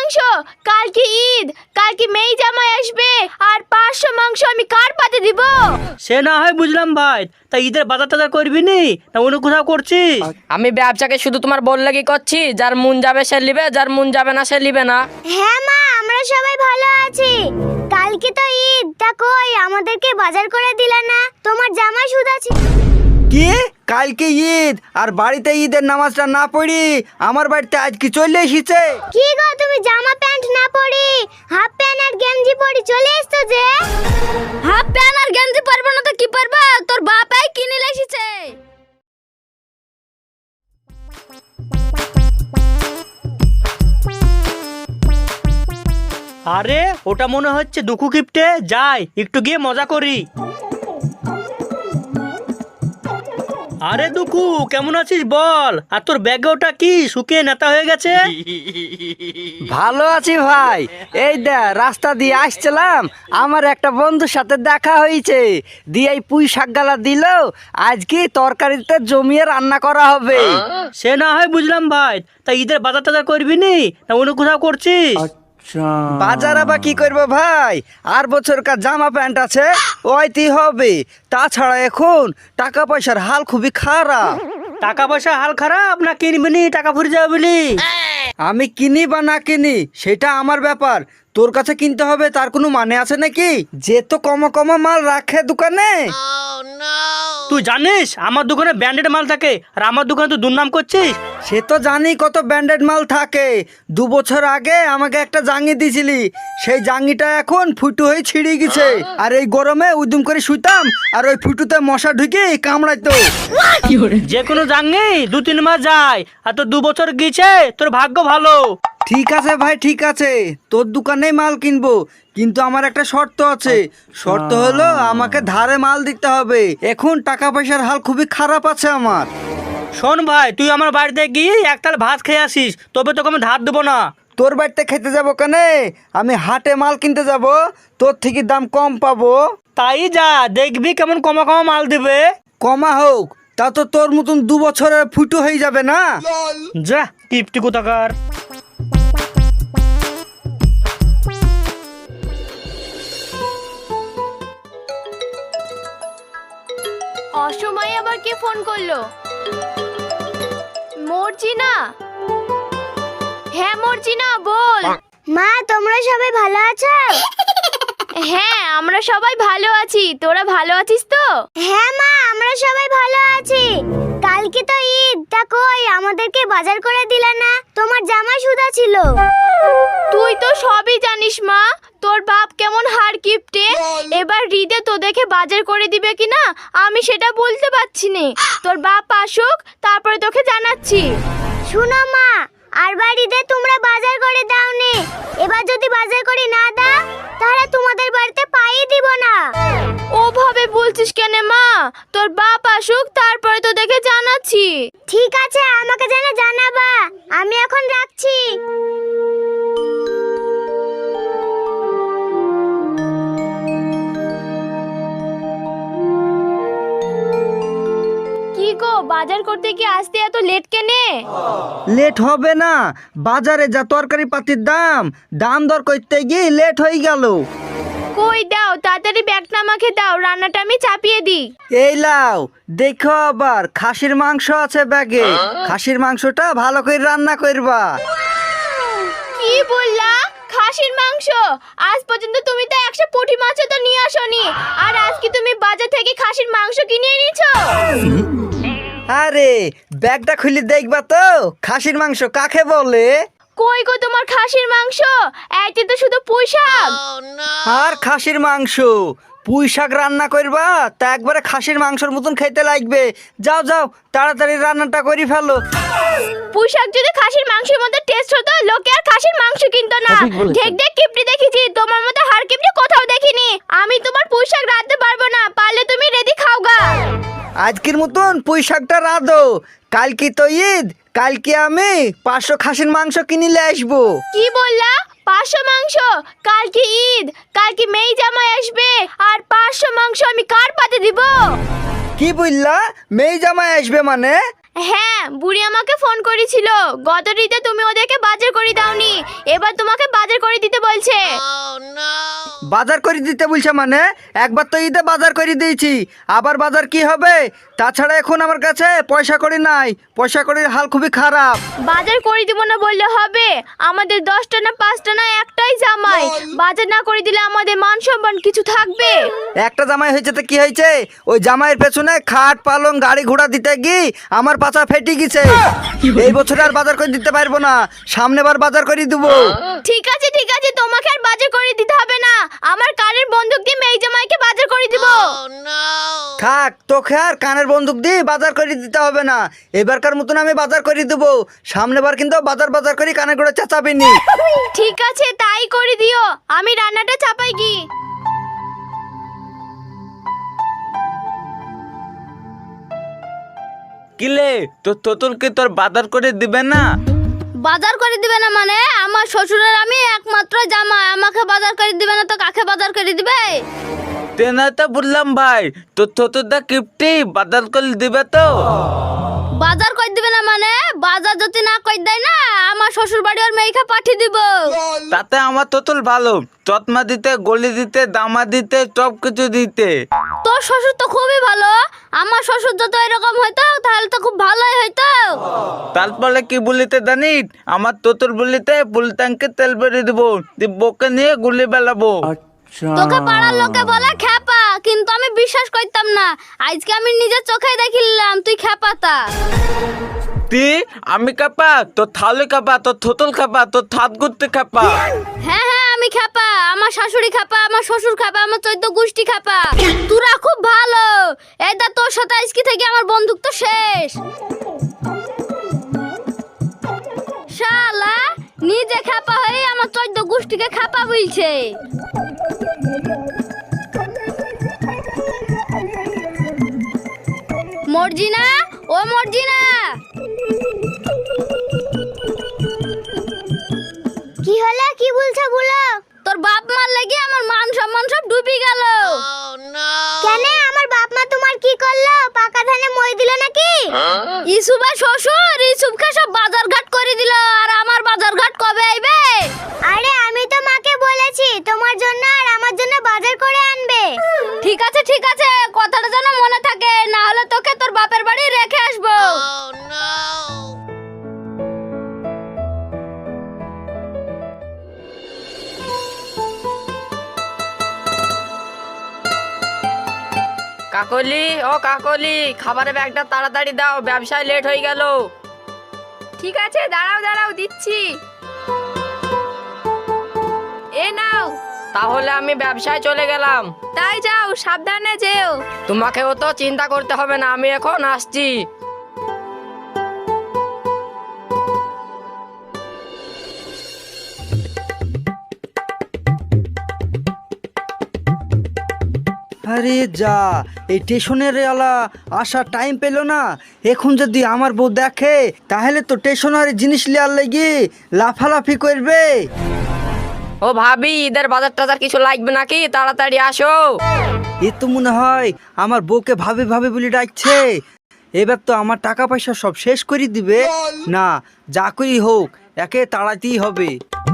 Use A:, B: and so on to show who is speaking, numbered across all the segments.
A: মাংস, কালকে ঈদ, কালকে মেয়ে জামাই আসবে, আর 500 মাংস আমি কার পাতে দিব?
B: সে না হয় বুঝলাম ভাই, তা ঈদের বাজার টাজার করবি নি না অন্য কোথাও করছিস?
C: আমি ব্যবসাকে শুধু তোমার বললে কি করছি, যার মন যাবে সে লিবে, যার মন যাবে না সে লিবে না।
A: হ্যাঁ মা, আমরা সবাই ভালো আছি। কালকে তো ঈদ, তা কই আমাদেরকে বাজার করে দিলা না? তোমার জামাই সুদ আছে।
D: কি কালকে ঈদ আর বাড়িতে ঈদের নামাজটা না পড়ি আমার বাড়িতে আজ কি চলে এসেছে?
A: কি গো, তুমি জামা প্যান্ট না পরি হাফ প্যান্ট আর গেঞ্জি পরি চলে এসছো যে? হাফ প্যান্ট আর গেঞ্জি পরবো না তো কি পরবা? তোর বাপাই কিনে এসেছে।
B: আরে ওটা মনে হচ্ছে দুঃখু কিপটে, যাই একটু গিয়ে মজা করি। আরে দুঃখু, কেমন আছিস বল? আর তোর ব্যাগে ওটা কি শুকিয়ে নেতা হয়ে গেছে?
D: ভালো আছি ভাই। এই দে রাস্তা দিয়ে আসছিলাম, আমার একটা বন্ধুর সাথে দেখা হয়েছে, দিয়ে এই পুঁই শাক গালা দিল, আজকে তরকারিতে জমিয়ে রান্না করা হবে।
B: সে না হয় বুঝলাম ভাই, তা ঈদের বাজার টাজার করবি নি না অন্য কোথাও করছিস?
D: বাজার আবার কি করবো ভাই, আর বছরকার জামা প্যান্ট আছে ওইটি হবে। তাছাড়া এখন টাকা পয়সার হাল খুবই খারাপ।
B: টাকা পয়সা হাল খারাপ না কিনবি নি টাকা ফুরে যাবে বলি?
D: আমি কিনি বা না কিনি সেটা আমার ব্যাপার, তোর কাছে কিনতে হবে তার কোনো মানে আছে নাকি? যে তো কম কম মাল রাখে দোকানে।
B: তুই জানিস আমার দোকানে ব্র্যান্ডেড মাল থাকে, আর আমার দোকানে তুই দুর্নাম করছিস।
D: সে তো জানি কত ব্র্যান্ডেড মাল থাকে। 2 বছর আগে আমাকে একটা জাঙ্গি দিছিলি, সেই জাঙ্গিটা এখন ফুটু হয়ে ছিঁড়ে গেছে। আর এই গরমে উদুম করে শুইতাম, আর ওই ফুটুতে মশা ঢুকে কামড়াইতো।
B: যে কোনো জাঙ্গি 2-3 মাস যায়, আর তোর 2 বছর গেছে, তোর ভাগ্য ভালো।
D: ঠিক আছে ভাই, ঠিক আছে, তোর দোকানেই মাল কিনবো, কিন্তু আমার একটা শর্ত আছে। শর্ত হলো আমাকে ধারে মাল দিতে হবে, এখন টাকা পয়সার হাল খুবই খারাপ আছে আমার।
B: শোন ভাই, তুই আমার বাড়িতে গিয়ে এক তাল ভাত খেয়ে আসিস, তবে তোকে আমি ধার দেবো না।
D: তোর বাড়িতে খেতে যাবো কেনে? আমি হাটে মাল কিনতে যাব, তোর থেকে দাম কম পাবো।
B: তাই যা, দেখবি কেমন কমা কমা মাল দিবে।
D: কমা হোক, তা তো তোর মতন 2 বছরের ফুটু হয়ে যাবে না।
B: যা টিপটি কোথাকার।
A: অসময়ে আবার কে ফোন করলো? মর্জিনা? হ্যাঁ মর্জিনা, বল। মা, তোমরা সবাই ভালো আছো? হ্যাঁ, আমরা সবাই ভালো আছি। তোরা ভালো আছিস তো? হ্যাঁ মা, আমরা সবাই ভালো আছি। কালকে তো ঈদ, তা কই আমাদেরকে বাজার করে দিলা না? তোমার জামাই সুদা ছিল। তুই তো সবই জানিস মা, তোর বাপ কেমন হার কিপটে। এবার ঈদে তো দেখে বাজার করে দিবে কিনা আমি সেটা বলতে পারছি না। তোর বাপ আসুক, তারপরে তোকে জানাচ্ছি। শুনো মা, আর বাড়িতে তোমরা বাজার করে দাও নে। এবার যদি বাজার করে না দাও, তাহলে তোমাদের বাড়িতে পাই দিব না। ওভাবে বলছিস কেন মা? তোর বাপ আসুক, তারপরে তো দেখে জানাচ্ছি। ঠিক আছে, আমাকে জানাবা। আমি এখন রাখছি। কি গো, বাজার করতে কি আসতে এত লেট কেনে?
D: লেট হবে না, বাজারে যা তরকারি পাতির দাম, দাম দর করতে গিয়ে লেট হয়ে গেল।
A: কই দাও, তাড়াতাড়ি ব্যাগটা আমাকে দাও, রান্নাটা আমি চাপিয়ে দিই।
D: এই লাও, দেখো আবার খাসির মাংস আছে ব্যাগে, খাসির মাংসটা ভালো করে রান্না করবা।
A: কি বললা? খাসির মাংস? আজ পর্যন্ত তুমি তো 100 পুঁটি মাছ তো নিয়ে আসোনি, আর আজকে তুমি বাজার থেকে খাসির মাংস কিনে এনেছো?
D: আরে ব্যাগটা খুলে দেখবা তো, খাসির মাংস কাকে বলে।
A: কই গো তোমার খাসির মাংস? এইতে তো শুধু পুঁই শাক।
D: আর খাসির মাংস, পুঁই শাক রান্না করবা তা একবারে খাসির মাংসের মতন খেতে লাগবে। যাও যাও, তাড়াতাড়ি রান্নাটা করে ফেলো।
A: পুঁই শাক যদি খাসির মাংসের মধ্যে টেস্ট হতো, লোকে আর খাসির মাংস কিনতো না। দেখ দেখ কিপটি দেখেছি, তোমার মতো হার কিপটি কোথাও দেখিনি। আমি তোমার পুঁই শাক রাঁধতে পারবো না, পারলে তুমি রেডি খাওগা।
D: আজকের মতন পুঁই শাকটা রাঁধো, কালকে তো ঈদ, কালকে আমি 500 খাসির মাংস কিনিলে আসবো।
A: কি বললা? 500 মাংস? কালকে ঈদ, কালকে মেয়ে জামাই আসবে, আর 500 মাংস আমি কার পাতে দিব?
D: কি বললা? মেয়ে জামাই আসবে মানে?
A: হ্যাঁ, বুড়ি আমাকে ফোন করেছিল। গত ঈদে তুমি ওদেরকে বাজার করে দাওনি, এবার তোমাকে বাজার করে দিতে বলছে।
D: বাজার করে দিতে বলছে মানে? একবার তো ঈদে বাজার করে দিয়েছি, আবার বাজার কি হবে? তাছাড়া এখন আমার কাছে পয়সা কড়ি নাই, পয়সা কড়ির হাল খুবই খারাপ।
A: বাজার করে দিব না বললে হবে? আমাদের 10টা না 5টা না একটাই জামাই, বাজার না করে দিলে আমাদের মান সম্মান কিছু থাকবে?
D: একটা জামাই হয়েছে তো কি হয়েছে? ওই জামাইয়ের পেছনে খাট পালং গাড়ি ঘোড়া দিতে গিয়ে আমার পাছা ফেটে গেছে। এই বছর আর বাজার করে দিতে পারবো না, সামনে বার বাজার করে দেবো।
A: ঠিক আছে ঠিক আছে, তোমাকে আর বাজার করে দিতে হবে না। আমার কানের বন্দুক দিয়ে মেয়ে জামাইকে বাজার করে দিব।
D: থাক, তোকে আর কানের বন্দুক দিয়ে বাজার করে দিতে হবে না। এবারকার মতন আমি বাজার করে দেবো, সামনে বার কিন্তু বাজার বাজার করে কানে করে চেঁচাবিনি।
A: ঠিক আছে, তাই করে দিও। আমি রান্নাটা চাপাই কি।
E: কিলে তোতলকে তোর বাজার করে দিবে না?
A: বাজার করে দিবে না মানে? আমার শ্বশুরের আমি একমাত্র জামাই, আমাকে বাজার করে দিবে না তো কাকে বাজার করে দিবে?
E: তেনা তো বললাম ভাই, তোতদা কিপটি বাজার করে দিবে তো?
A: বাজার করে দিবে না মানে? বাজার যদি না করে দেয় না, আমার শ্বশুর বাড়ি ওর মেয়েকে পাঠিয়ে দিব।
E: তাতে আমার তোতল ভালো, চতমা দিতে, গলি দিতে, দামা দিতে, সব কিছু দিতে।
A: তোর শ্বশুর তো খুবই ভালো। আমার শ্বশুর যত এরকম হইতো তাহলে তো খুব ভালোই হইতো।
E: তারপরে কি বলিতে জানিস? আমার তোতল বলিতে ফুল ট্যাঙ্কে তেল বেরিয়ে দেবো, বকে নিয়ে গুলি বেলাবো।
A: তোকে পাড়ার লোকে বলে খ্যাপা, কিন্তু আমি বিশ্বাস করতাম না। আজকে আমি নিজের চোখে দেখিলাম তুই খ্যাপাতা।
E: তুই আমি কাপা, তোর থালে কাপা, তোর থোতল কাপা, তোর থাত গুড়তে কাপা।
A: হ্যাঁ হ্যাঁ, আমি খ্যাপা, আমার শাশুড়ি খ্যাপা, আমার শ্বশুর খ্যাপা, আমার 14 গোষ্ঠী খ্যাপা। তোরা খুব ভালো। এইটা তোর সাথে আজকে থেকে আমার বন্দুক তো শেষ। শালা নিজে খ্যাপা হয়ে আমার 14 গোষ্ঠীকে খ্যাপা বলছে। মর্জিনা, ও মর্জিনা। কি হলো? কি বলছো বলো। তোর বাপ মার লাগি আমার মান সম্মান সব ডুবে গেল। কেন? আমার বাপ মা তোমার কি করলো? পাকা ধানে মই দিল নাকি? ইসুবা শ্বশুর ইসুবকে সব বাজার ঘাট করে দিল, আর আমার বাজার ঘাট কবে আইবে? আরে আমি তো মাকে বলেছি তোমার জন্য আর আমার জন্য বাজার করে আনবে। ঠিক আছে ঠিক আছে, কথাটা যেন মনে থাকে, না হলে তোকে তোর বাপের বাড়ি রেখে আসবো।
C: কাকলি, ও কাকলি, খাবারের ব্যাগটা তাড়াতাড়ি দাও, ব্যবসায় লেট হয়ে গেল।
F: ঠিক আছে, দাঁড়াও দাঁড়াও, দিচ্ছি। এ নাও।
C: তাহলে আমি ব্যবসায় চলে গেলাম।
F: তাই যাও, সাবধানে যেও।
C: তোমাকেও তো চিন্তা করতে হবে না, আমি এখন আসছি।
D: আরে যা, এই স্টেশনের আলা আসার টাইম পেল না। এখন যদি আমার বউ দেখে তাহলে তো স্টেশনারি জিনিস লিয়ার লেগে লাফালাফি করবে।
C: ও ভাবি, ঈদের বাজার টাজার কিছু লাগবে নাকি? তাড়াতাড়ি আসো।
D: এ তো মনে হয় আমার বউকে ভাবে ভাবে বলে ডাকছে। এবার তো আমার টাকা পয়সা সব শেষ করে দিবে। না, যা করি হোক একে তাড়াতেই হবে।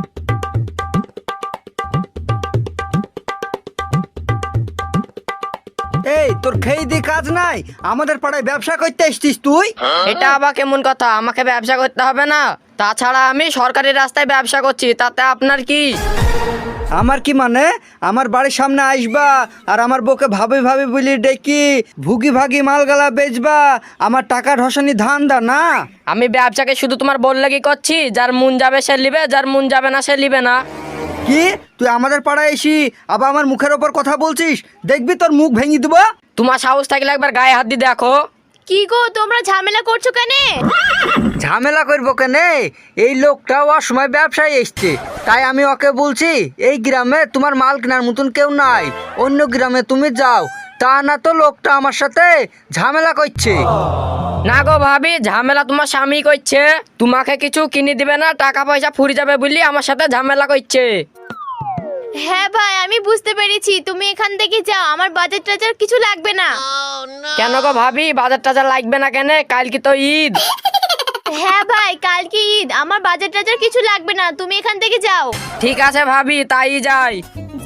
D: এই তোর খেয়ে দিয়ে কাজ নাই, আমাদের পাড়ায় ব্যবসা করতে এসছিস তুই?
C: এটা আবার কেমন কথা? আমাকে ব্যবসা করতে হবে না? তাছাড়া আমি সরকারি রাস্তায় ব্যবসা করছি, তাতে আপনার কি?
D: আমার কি মানে? আমার বাড়ির সামনে আসবা আর আমার বউকে ভাবে ভাবে বলি ডেকি ভুগি ভাগি মালগালা বেচবা, আমার টাকা ঢসানি ধান দা না?
C: আমি ব্যবসাকে শুধু তোমার বললে কি করছি? যার মন যাবে সে লিবে, যার মন যাবে না সে লিবে না।
D: কি তুই আমাদের পাড়ায় এসি আবার আমার মুখের ওপর কথা বলছিস? দেখবি তোর মুখ ভেঙে দেবো।
C: তোমার সাহস থাকলে একবার গায়ে হাত দিয়ে দেখো।
A: কি গো, তোমরা ঝামেলা করছো কেন?
D: ঝামেলা করবো কেনে? এই লোকটাও অসময় ব্যবসায় এসছে, তাই আমি ওকে বলছি এই গ্রামে তোমার মাল কেনার মতন কেউ নাই, অন্য গ্রামে তুমি যাও। তা না তো লোকটা আমার সাথে ঝামেলা করছে।
C: না গো ভাবি, ঝামেলা তোমার স্বামী করছে। তোমাকে কিছু কিনে দিবে না, টাকা পয়সা ফুরি যাবে বলি আমার সাথে ঝামেলা করছে।
A: হ্যাঁ ভাই, আমি বুঝতে পেরেছি, তুমি এখান থেকে যাও, আমার বাজার টাজার কিছু লাগবে না।
C: কেন গো ভাবি, বাজার টাজার লাগবে না কেন? কাল কি তো ঈদ।
A: হ্যাঁ ভাই, কালকে ঈদ, আমার বাজার টাজার কিছু লাগবে না, তুমি এখান থেকে যাও।
C: ঠিক আছে ভাবি, তাই যাই।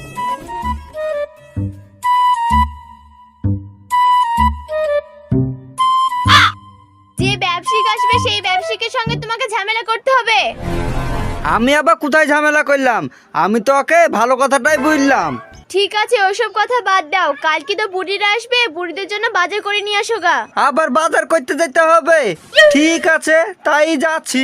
A: যে ব্যবসায়িক আসবে সেই ব্যবসায়িকের সঙ্গে তোমাকে ঝামেলা করতে হবে।
D: আমি আবার কোথায় ঝামেলা করলাম? আমি তো ওকে ভালো কথাটাই বললাম।
A: ঠিক আছে, ওসব কথা বাদ দাও, কালকে তো বুড়িরা আসবে, বুড়িদের জন্য বাজার করে নিয়ে আসো গা।
D: আবার বাজার করতে যেতে হবে? ঠিক আছে, তাই যাচ্ছি।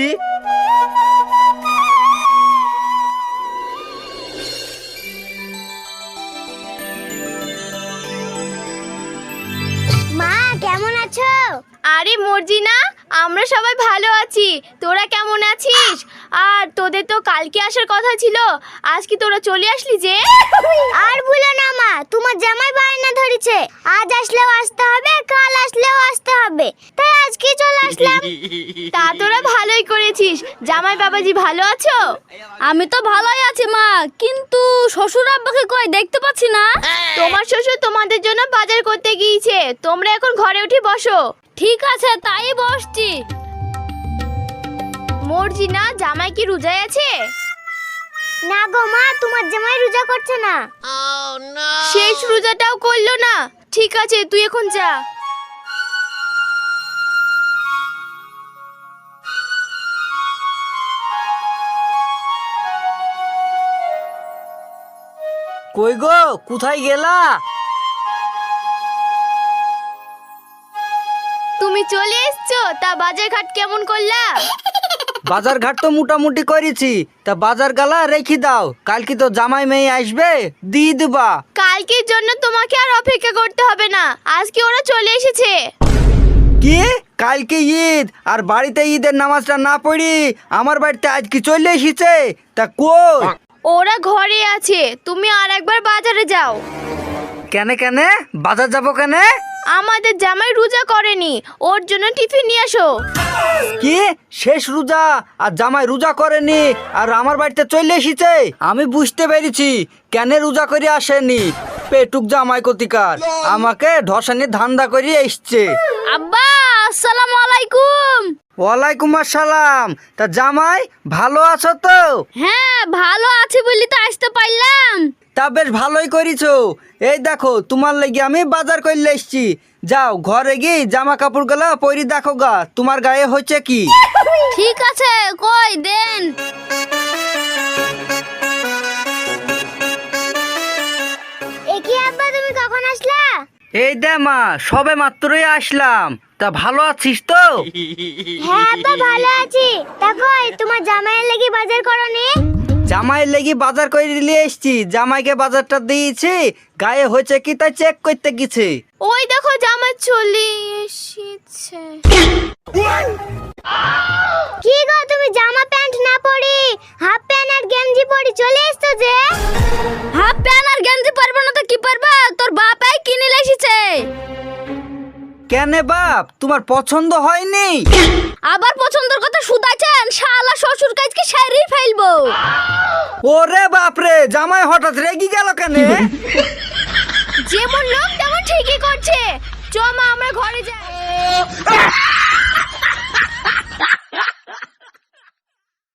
A: মা কেমন আছো? আরে মর্জিনা, আমরা সবাই ভালো আছি, তোরা কেমন আছিস? আর তোদের তো কালকে আসার কথা ছিল, আজ কি তোরা চলে আসলি যে? আর ভুলো না মা, তোমার জামাই বায়না ধরেছে, আজ আসলেও আসতে হবে, কাল আসলেও আসতে হবে, তাই আজকে চলে আসলাম। তা তোরা ভালোই করেছিস। জামাই বাবাজি ভালো আছো? আমি তো ভালোই আছি মা, কিন্তু শ্বশুর আব্বাকে কই দেখতে পাচ্ছি না। তোমার শ্বশুর তোমাদের জন্য বাজার করতে গিয়েছে, তোমরা এখন ঘরে উঠে বসো। ঠিক আছে, তাই বসছি। মর্জিনা, জামাই কি রোজায় আছে? না গো মা, তোমার জামাই রোজা করছে না। শেষ রোজাটাও করলো না। ঠিক আছে, তুই এখন যা।
D: কই গো, কোথায় গেলা?
A: তুমি চলে এসছো, তা বাজার ঘাট কেমন করলা?
D: বাজার ঘাট তো মোটামুটি করেছি, তা বাজার গালা রেখে দাও, কালকে তো জামাই মেয়ে আসবে, দিয়ে দিবা।
A: কালকের জন্য তোমাকে আর অপেক্ষা করতে হবে না, আজকে ওরা চলে এসেছে।
D: কি, কালকে ঈদ আর বাড়িতে ঈদের নামাজটা না পড়ি আমার বাড়িতে আজকে চলে এসেছে? তা কই?
A: ওরা ঘরে আছে, তুমি আর একবার বাজারে যাও।
D: কেনে কেনে বাজার যাবো কেনে?
A: আমাদের জামাই রোজা করেনি, ওর জন্য টিফিন নিয়ে আসো।
D: কি, শেষ রোজা আর জামাই রোজা করেনি আর আমার বাড়িতে চলে এসেছে? আমি বুঝতে পেরেছি কেন রোজা করে আসেনি। পেটুক জামাই কতিকার আমাকে ধসানি ধান্দা করে এসছে।
A: আব্বা, আসসালামু আলাইকুম।
D: ওয়ালাইকুম আসসালাম। তা জামাই ভালো আছো তো?
A: হ্যাঁ, ভালো আছি বলি তো আসতে পারলাম।
D: তা বেশ ভালোই করেছো। এই দেখো, তোমার লাগি আমি বাজার করলে এসছি। যাও ঘরে গিয়ে জামা কাপড় গুলা পরি দেখো গা, তোমার গায়ে হচ্ছে কি।
A: ঠিক আছে, কই দেন। একি আব্বা, তুমি কখন আসলা?
D: এই দে মা, সবে মাত্রই আসলাম। তা ভালো আছিস তো?
A: হ্যাঁ আব্বা, ভালো আছি। তা কই তোমার জামাইয়ের লাগি বাজার করনি?
D: জামাইয়ের লেগে বাজার করে নিয়ে এসছি, জামাইকে বাজারটা দিয়েছি, গায়ে হয়েছে কি তাই চেক করতে গেছে।
A: ওই দেখো জামাই চলে এসেছে। কি গো, তুমি জামা প্যান্ট না পরি হাফ প্যান্ট আর গেঞ্জি পরি চলে এসছো যে? হাফ প্যান্ট আর গেঞ্জি পারবো না তো কি পারবা, তোর বাপাই কিনে এসেছে।
D: কেনে বাপ, তোমার পছন্দ হয়নি?
A: আবার পছন্দের কথা শুধাইছেন, শালা শ্বশুর কাজকে সারিয়ে ফেলবো।
D: ওরে বাপরে, জামাই হঠাৎ রেগে গেল কেন?
A: যেমন লোক তেমন ঠিকই করছে। চ মা, আমরা ঘরে যাই।